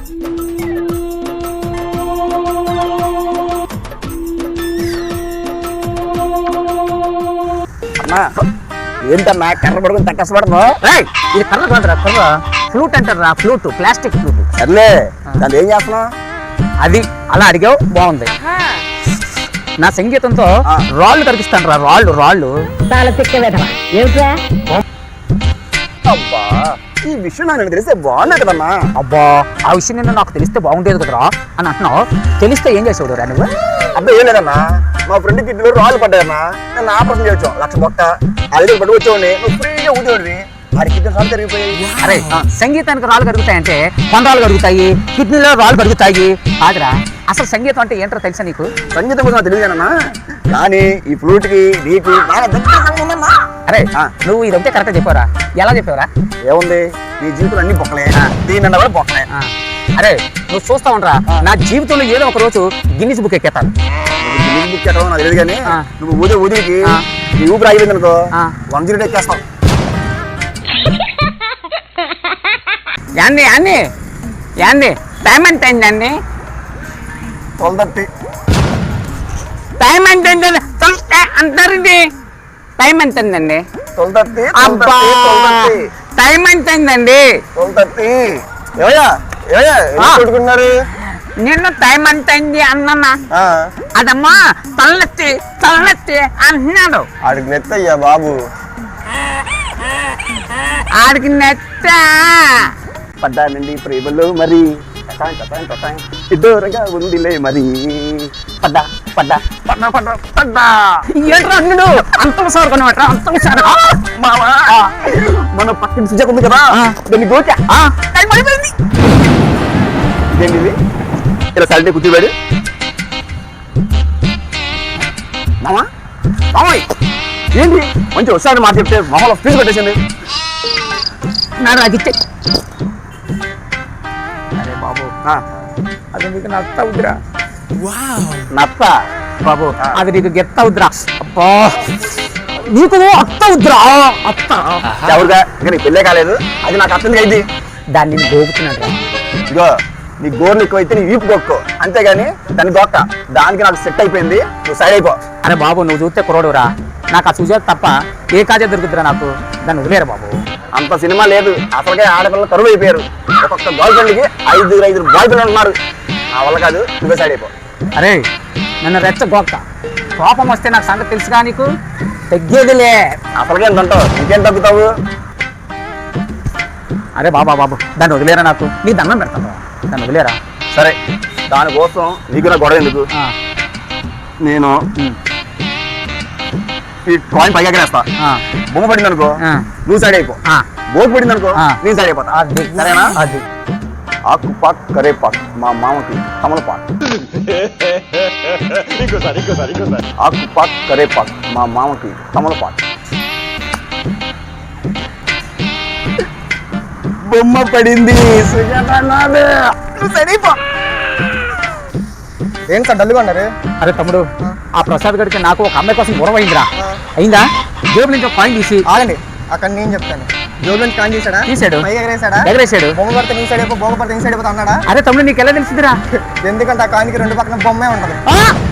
ఏంటన్నా కర్ర పడుకుని తగ్గ కష్టపడను. ఇది కర్ర కాదురా, కర్ర ఫ్లూట్ అంటారా, ఫ్లూట్, ప్లాస్టిక్ ఫ్లూట్. సర్లే దాన్ని ఏం చేస్తున్నావు? అది అలా అడిగావు, బాగుంది. నా సంగీతంతో రాళ్ళు కనిపిస్తాను రా, రాళ్ళు రాళ్ళు. అబ్బా ఈ విషయం నాకు తెలిస్తే బాగున్నాయి కదన్నా. అబ్బా ఆ విషయం నిన్న నాకు తెలిస్తే బాగుండేది కదరా అని అంటున్నావు. తెలిస్తే ఏం చేసేవాడు రా నువ్వు? అబ్బా ఏం లేదన్నా, మా ఫ్రెండ్ కిడ్నీలో రాళ్ళు పడ్డాయన్నా. నేను ఆపరేషన్ చేయొచ్చు, 1,00,000 బొక్క అది పట్టు వచ్చేవాడిని. నువ్వు ఫ్రీగా ఊదేవాడివి, వాడి కిడ్నీ రాళ్ళు కరిగిపోయాయి. అరే సంగీతానికి రాళ్ళు కరుగుతాయంటే కొండరాళ్ళు కరుగుతాయి, కిడ్నీలో రాళ్ళు కరుగుతాయి కాదురా. అసలు సంగీతం అంటే ఏంటో తెలుసా నీకు? సంగీతం కోసం తెలియదేనన్నా, కానీ ఈ ఫ్లూట్ కి నీకు అరే నువ్వు ఇదంటే కరెక్ట్గా చెప్పారా? ఎలా చెప్పావరా? ఏముంది, నీ జీవితంలో అన్ని బొక్కలే, దీని కూడా బొక్కలే. అరే నువ్వు చూస్తా ఉండరా, నా జీవితంలో ఏదో ఒక రోజు గిన్నిస్ బుక్ ఎక్కేతాను. గిన్నిస్ బుక్ ఎక్కడం నాకు తెలియదు, కానీ నువ్వు ఊదికి నీ ఊపిరి ఆగిపోయింది అనుకో 108 ఎక్కేస్తావు. యాండి యాండి యాండి టైం ఎంత అయిందండి? 12:30. టైం ఎంత అయిందండి అంటారండి? టైం ఎంత అయిందండి? 12:30. అబ్బా టైం ఎంత అయిందండి? 12:30. కొట్టుకున్నారు. నిన్ను టైం ఎంత అయింది అన్నా, అదమ్మా తలనెత్తి తలనెత్తి అంటున్నాడు. ఆడికి నెత్తయ్యా బాబు, ఆడికి నెత్త పడ్డానండి ప్రేమలో మరి ఇద్దరుగా ఉందిలే మరి. పడ్డా పడ్డా పడ్డా పడ్డా పడ్డా ఏంట్రా అన్నుడు అంత సార్ కొనమాట, అంత సార్ మావా. మన పక్కన సుజాక్ ఉంది కదా, దాన్ని గోచా టైం అయిపోయింది. ఇదేంటి ఇది? ఇలా సైలెంట్ కూర్చోబెడు మామా. మామయ్య ఏంటి మంచి వస్తాడు మాట చెప్తే మామూలు ఫీజు పెట్టేసింది. నాడు అది ఇచ్చే. అరే బాబు అది నీకు నత్త అవుద్దిరా. నత్త బాబు అది నీకు గెత్త అవుద్దిరా. అబ్బా నీకు అత్త అవుద్దిరా, అత్త. ఎవరుగా ఇంకా నీకు పెళ్ళే కాలేదు, అది నాకు అర్థం అయింది. దాన్ని నేను గోపుతున్నాడు. ఇగో నీ గోర్లు ఎక్కువైతే నీ వీపు గొక్కో, అంతేగాని దాన్ని దొక్క. దానికి నాకు సెట్ అయిపోయింది, నువ్వు సైడ్ అయిపో. అరే బాబు నువ్వు చూస్తే కుర్రోడురా, నాకు ఆ సుజాత తప్ప ఏ కాజే దొరుకుతురా నాకు. దాన్ని వదిలేరు బాబు. అంత సినిమా లేదు, అసలుకే ఆడపిల్లలు కరువు అయిపోయారు. ఒక్కొక్క గర్ల్ ఫ్రెండ్కి 5 బాయ్ ఫ్రెండ్ ఉన్నారు. నా వల్ల కాదు, నువ్వే సైడ్ అయిపో. అరే నన్ను రెచ్చగొక్క, కోపం వస్తే నాకు సంగతి తెలుసుగా నీకు, తగ్గేదిలే. అసలుకే ఎంత ఉంటావు, ఇంకేం తగ్గుతావు? అరే బాబా బాబు దాన్ని వదిలేరా, నాకు నీ దండం పెడతాను, దాన్ని వదిలేరా. సరే దానికోసం నీకు నా గొడవ ఎందుకు? నేను ఈ కాయిన్ పైగా వేస్తా, బొమ్మ పడింది అనుకో నువ్వు సైడ్ అయిపో, బోట్ పడింది అనుకో నేను సైడ్ అయిపోతా. సరేనా? అది ఆకు పాక్ కరే పాక్ మా మామకి తమలపాక్. ఆకు పాక్ కరే పాక్ మా మామకి తమలపాక్. బొమ్మ పడింది. ఏంటి సార్ డల్గా ఉన్నారు? అరే తమ్ముడు ఆ ప్రసాద్ గడికి నాకు ఒక అమ్మాయి కోసం గొడవ అయిందిరా. అయిందా? జేబు నుంచి ఒక కాయిన్ తీసి ఆగండి, అక్కడ నేను చెప్తాను. జోబు నుంచి కాయిన్ తీసాడా? తీసాడు. ఎగరేసాడు. బొమ్మ పడితే నీ సైడ్ అయిపో, బొమ్మ పడితే నీ సైడ్ అయిపోతా అన్నాడా? అరే తమ్ముడు నీకు ఎలా తెలిసిందిరా? ఎందుకంటే ఆ కాయిన్కి 2 పక్కన బొమ్మే ఉంటది.